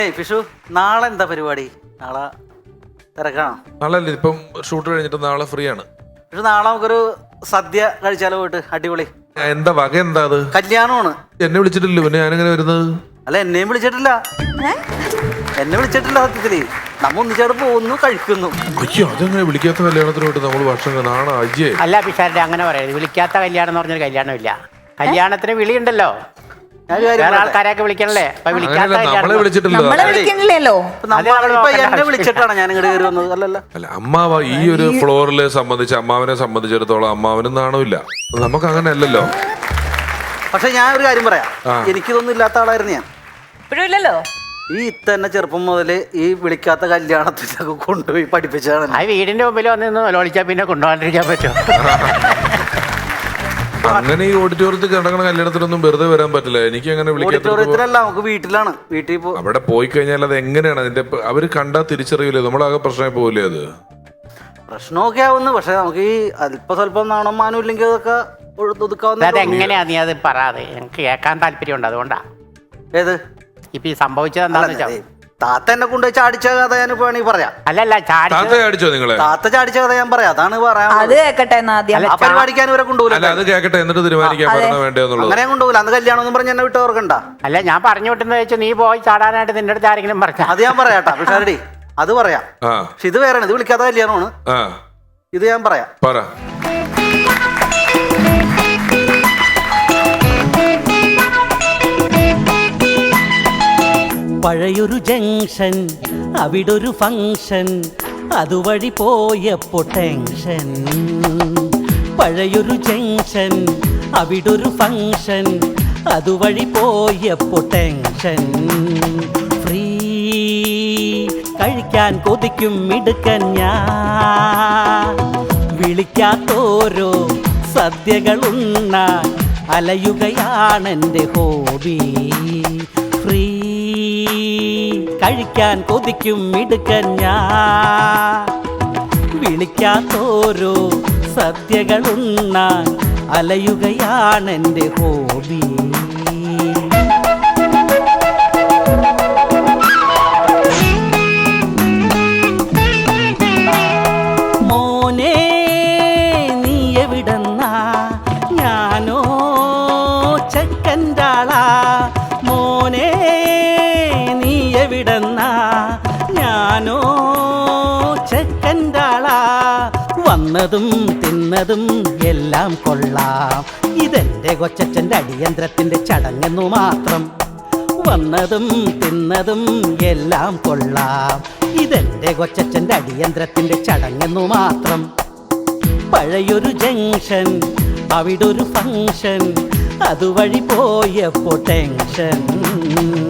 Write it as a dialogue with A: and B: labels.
A: ഫിഷു നാളെ എന്താ പരിപാടി? നാളെ തിരക്കാണോ?
B: നാളെ ഇപ്പം ഷൂട്ട് കഴിഞ്ഞിട്ട് നാളെ ഫ്രീ ആണ്.
A: പക്ഷെ നാളെ നമുക്കൊരു സദ്യ കഴിച്ചാലോ? പോയിട്ട് അടിപൊളി.
B: എന്താ വക? എന്താ അത്?
A: കല്യാണമാണ്.
B: എന്നെ വിളിച്ചിട്ടില്ല, പിന്നെ ഞാനെങ്ങനെ വരുന്നത്?
A: അല്ല, എന്നെയും വിളിച്ചിട്ടില്ല. എന്നെ വിളിച്ചിട്ടില്ല. സത്യത്തില് നമ്മ ഒന്നിച്ചോട് പോകുന്നു, കഴിക്കുന്നു.
B: അയ്യോ, അതെങ്ങനെ വിളിക്കാത്ത കല്യാണത്തിനോട്ട് നമ്മൾ വർഷം നാണോ? അയ്യേ
C: അല്ല പിഷാരുടെ അങ്ങനെ പറയരുത്. വിളിക്കാത്ത കല്യാണം എന്ന് പറഞ്ഞൊരു കല്യാണമില്ല. കല്യാണത്തിന് വിളിയുണ്ടല്ലോ, വേറെ ആൾക്കാരെയൊക്കെ വിളിക്കണല്ലേ. അപ്പൊ വിളിക്കാത്ത
B: നമ്മളെ വിളിച്ചിട്ടില്ലല്ലോ.
A: എന്നെ വിളിച്ചിട്ടാണ് ഞാൻ ഇങ്ങോട്ട് കയറി വന്നത്. അല്ലല്ല,
B: അല്ല അമ്മാവ ഈ ഒരു ഫ്ലോറിലെ സംബന്ധിച്ച് അമ്മാവനെ സംബന്ധിച്ചിടത്തോളം അമ്മാവനും നാണമില്ല. നമുക്ക് അങ്ങനെ അല്ലല്ലോ.
A: പക്ഷെ ഞാൻ ഒരു കാര്യം പറയാം, എനിക്കിതൊന്നും ഇല്ലാത്ത ആളായിരുന്നു ഞാൻ.
D: ഇപ്പോഴില്ലല്ലോ.
A: ഈ തന്നെ ചെറുപ്പം മുതല് ഈ വിളിക്കാത്ത കല്യാണത്തിലൊക്കെ കൊണ്ടുപോയി പഠിപ്പിച്ചാണ്.
C: ആ വീടിന്റെ മുമ്പിൽ വന്ന് വിളിച്ചാൽ പിന്നെ കൊണ്ടുപോകാണ്ടിരിക്കാൻ പറ്റും.
B: അങ്ങനെ ഈ ഓഡിറ്റോറിയത്തിൽ കിടക്കണ കല്യാണത്തിനൊന്നും വെറുതെ വരാൻ പറ്റില്ല. എനിക്ക് അങ്ങനെ
A: ഓഡിറ്റോറിയത്തിലല്ല, നമുക്ക് വീട്ടിലാണ്. വീട്ടിൽ
B: അവിടെ പോയി കഴിഞ്ഞാൽ അത് എങ്ങനെയാണ് അതിന്റെ അവര് കണ്ടാ തിരിച്ചറിയില്ലേ? നമ്മളാകെ പ്രശ്നമായി പോകില്ലേ? അത്
A: പ്രശ്നമൊക്കെ ആവുന്നു. പക്ഷെ നമുക്ക് ഈ അല്പസ്വല്പം നാണം മാനം ഇല്ലെങ്കിൽ അതൊക്കെ ഒതുക്കാവുന്ന.
C: അതെങ്ങനെയാ നീ അത് പറയാതെ? എനിക്ക് കേൾക്കാൻ താല്പര്യമുണ്ട്, അതുകൊണ്ടാ.
A: ഏത്
C: ഇപ്പൊ ഈ സംഭവിച്ചത് എന്താന്ന് വെച്ചാൽ
A: താത്ത എന്നെ കൊണ്ടുപോയി ചാടിച്ച കഥ ഞാൻ വേണമെങ്കിൽ പറയാം.
C: അല്ലല്ല,
B: ചാടിച്ചോ നിങ്ങളെ?
A: താത്ത ചാടിച്ച കഥ ഞാൻ പറയാം. അതാണ് പറയാം.
D: അത് കേക്കട്ടെ. ആ
A: പരിപാടിക്കാൻ ഇവരെ കൊണ്ടുപോകില്ല.
B: അത് കേക്കട്ടെ, എന്നിട്ട് തീരുമാനിക്കാൻ വേണ്ടെന്നുള്ളത്.
A: അങ്ങനെ കൊണ്ടുപോകില്ല. അന്ന് കല്യാണം ഒന്നും പറഞ്ഞ് എന്നെ വിട്ട് ഓർക്കണ്ട.
C: അല്ല, ഞാൻ പറഞ്ഞു വിട്ടെന്ന് വെച്ചാൽ നീ പോയി ചാടാനായിട്ട് നിന്റെ അടുത്ത് ആരെങ്കിലും പറഞ്ഞ
A: അത് ഞാൻ പറയാട്ടാ. പക്ഷേ അത് പറയാം. പക്ഷെ ഇത് വേറെ, ഇത് വിളിക്കാത്ത കല്യാണമാണ്. ഇത് ഞാൻ പറയാം. പഴയൊരു ജംഗ്ഷൻ, അവിടൊരു ഫംഗ്ഷൻ, അതുവഴി പോയപ്പോ ടെൻഷൻ. പഴയൊരു ജംഗ്ഷൻ, അവിടൊരു ഫംഗ്ഷൻ, അതുവഴി പോയപ്പോ ടെൻഷൻ. ഫ്രീ കഴിക്കാൻ കൊതിക്കും മിടുക്കൻ ഞാൻ, വിളിക്കാത്തോരോ സദ്യകളുണ്ണാൻ അലയുകയാണെൻ്റെ ഹോബി. ഫ്രീ കഴിക്കാൻ കൊതിക്കും മിടുക്കൻ ഞാൻ, വിളിക്കാത്തോരോ സദ്യകളുണ്ണാൻ അലയുകയാണെൻ്റെ ഹോബി. മോനെ നീ എവിടെന്നാ? ഞാനോ ചെക്കൻ്റാളാ. മോനെ നീ എവിടെന്നാ? ഞാനോ ചെക്കൻ്റാളാ. വന്നതും തിന്നതും എല്ലാം കൊള്ളാം, ഇതെന്റെ കൊച്ചച്ഛൻ്റെ അടിയന്ത്രത്തിൻ്റെ ചടങ്ങെന്നു മാത്രം. വന്നതും തിന്നതും എല്ലാം കൊള്ളാം, ഇതെന്റെ കൊച്ചച്ഛൻ്റെ അടിയന്ത്രത്തിൻ്റെ ചടങ്ങെന്നു മാത്രം. പഴയൊരു ജംഗ്ഷൻ, അവിടൊരു ഫംഗ്ഷൻ, അതുവഴി പോയപ്പോ ടെൻഷൻ.